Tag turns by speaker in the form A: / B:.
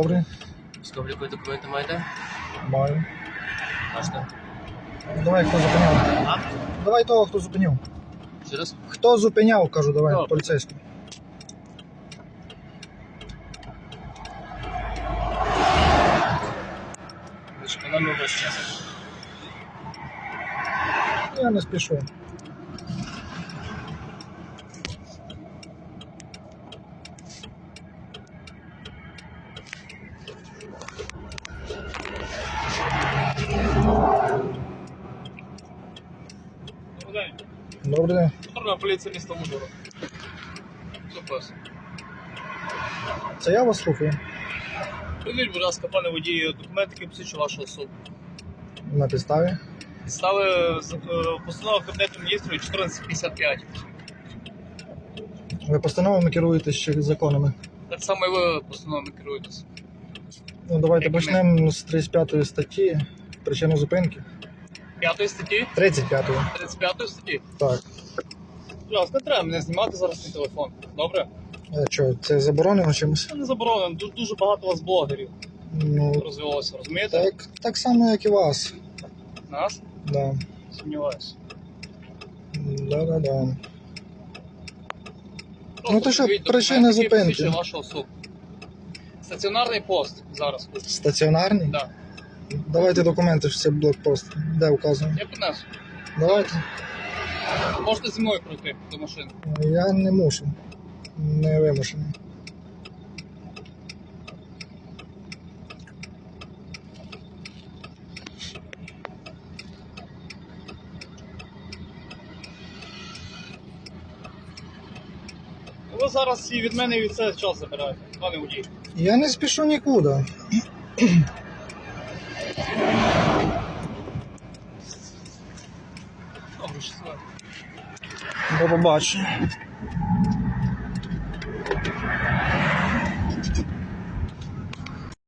A: Добре.
B: Військово-облікові документи маєте?
A: Маю.
B: Бачите?
A: Давай, хто зупиняв.
B: А?
A: Давай того, хто зупиняв.
B: Ще раз?
A: Хто зупиняв, кажу, давай,
B: Добре.
A: поліцейський.
B: Ви ж економили весь час.
A: Я не спішу.
B: Добрий день.
A: Добрий день.
B: Патрульна поліція міста Ужгород. Супер.
A: Це я вас слухаю.
B: Придіть, будь ласка, пане водій, документи, які посвідчують вашу особу.
A: На підставі.
B: Підстави постанова Кабінету Міністрів 1455.
A: Ви постановами керуєтесь чи законами?
B: Так само і ви постановами керуєтесь.
A: Ну, давайте
B: Якими?
A: почнемо з 35 статті. Причина зупинки.
B: 5 статті?
A: 35-ї.
B: 35 статті?
A: Так.
B: Будь ласка, не треба мене знімати зараз на телефон. Добре?
A: Що, це заборонено чимось?
B: Це не заборонено. Дуже багато у вас блогерів
A: Ну,
B: розвивалося, розумієте?
A: так само, як і вас.
B: Нас?
A: Да.
B: Сумніваюся.
A: Да.
B: Просто
A: Ну, то що,
B: покажіть
A: причина
B: документи, які
A: зупинки?
B: посвідчують вашу особу. Стаціонарний пост зараз тут.
A: Стаціонарний?
B: Да.
A: Давайте документи, що це блокпост. Де вказано?
B: Я принесу.
A: Давайте.
B: Можете зі мною пройти до машини.
A: Я не мушу. Не вимушений.
B: Ви зараз і від мене і від себе час забираєте, пане водій.
A: Я не спішу нікуди.
B: Добре, щасливо.
A: До побачення.